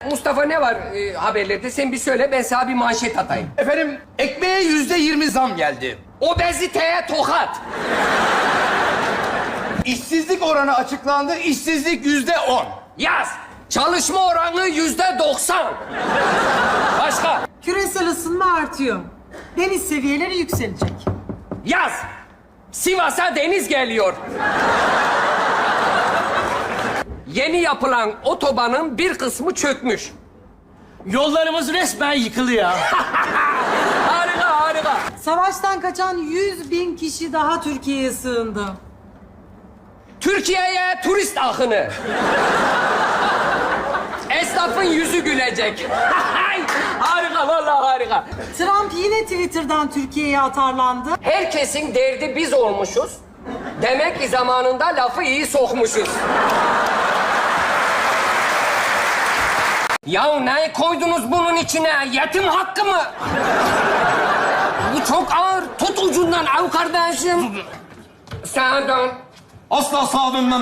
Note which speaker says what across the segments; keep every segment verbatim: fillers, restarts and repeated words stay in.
Speaker 1: Mustafa ne var e, haberlerde? Sen bir söyle, ben sana bir manşet atayım.
Speaker 2: Efendim, ekmeğe yüzde yirmi zam geldi.
Speaker 1: Obeziteye tokat.
Speaker 2: İşsizlik oranı açıklandı, işsizlik yüzde on.
Speaker 1: Yaz. Çalışma oranı yüzde doksan. Başka?
Speaker 3: Küresel ısınma artıyor. Deniz seviyeleri yükselecek.
Speaker 1: Yaz. Sivas'a deniz geliyor. Yeni yapılan otobanın bir kısmı çökmüş.
Speaker 4: Yollarımız resmen yıkılıyor.
Speaker 1: Harika, harika.
Speaker 3: Savaştan kaçan yüz bin kişi daha Türkiye'ye sığındı.
Speaker 1: Türkiye'ye turist akını. Esnafın yüzü gülecek. Harika, vallahi harika.
Speaker 3: Trump yine Twitter'dan Türkiye'ye atarlandı.
Speaker 1: Herkesin derdi biz olmuşuz. Demek ki zamanında lafı iyi sokmuşuz. Ya ne koydunuz bunun içine? Yetim hakkı mı? Bu çok ağır. Tut ucundan av kardeşim. Sağa dön.
Speaker 5: Asla sağa dönmem.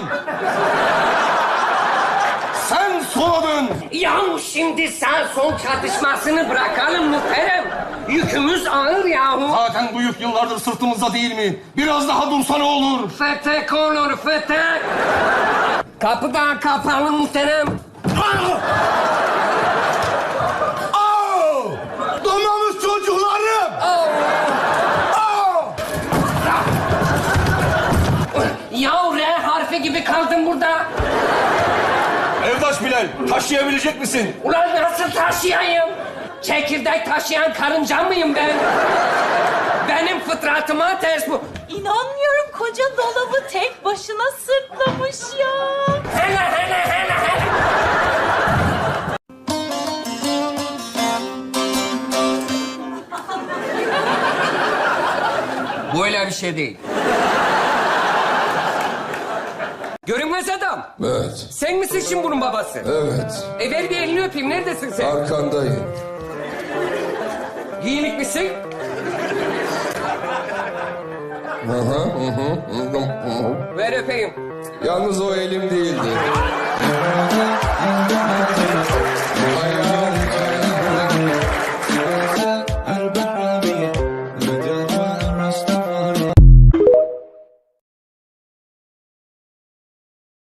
Speaker 5: Sen sola dön.
Speaker 1: Ya şimdi sağ sol çatışmasını bırakalım muhterem. Yükümüz ağır yahu.
Speaker 5: Zaten bu yük yıllardır sırtımızda değil mi? Biraz daha dursa ne olur?
Speaker 1: Fetek olur fetek. Kapı da kapalı muhterem.
Speaker 2: Aa! Donmamış çocuklarım!
Speaker 1: Oh. Ya R harfi gibi kaldım burada.
Speaker 5: Evdaş Bilal, taşıyabilecek misin?
Speaker 1: Ulan nasıl taşıyayım? Çekirdek taşıyan karınca mıyım ben? Benim fıtratıma ters bu.
Speaker 6: İnanmıyorum, koca dolabı tek başına sırtlamış ya.
Speaker 1: Hele hele hele hele. Bu öyle bir şey değil. Görünmez adam.
Speaker 7: Evet,
Speaker 1: Sen misin şimdi bunun babası?
Speaker 7: evet.
Speaker 1: E ver bir elini öpeyim. Neredesin sen?
Speaker 7: Arkandayım.
Speaker 1: Giyinik misin?
Speaker 7: Hı hı, hı hı, hı hı.
Speaker 1: Ver öpeyim.
Speaker 7: Yalnız o elim değildi.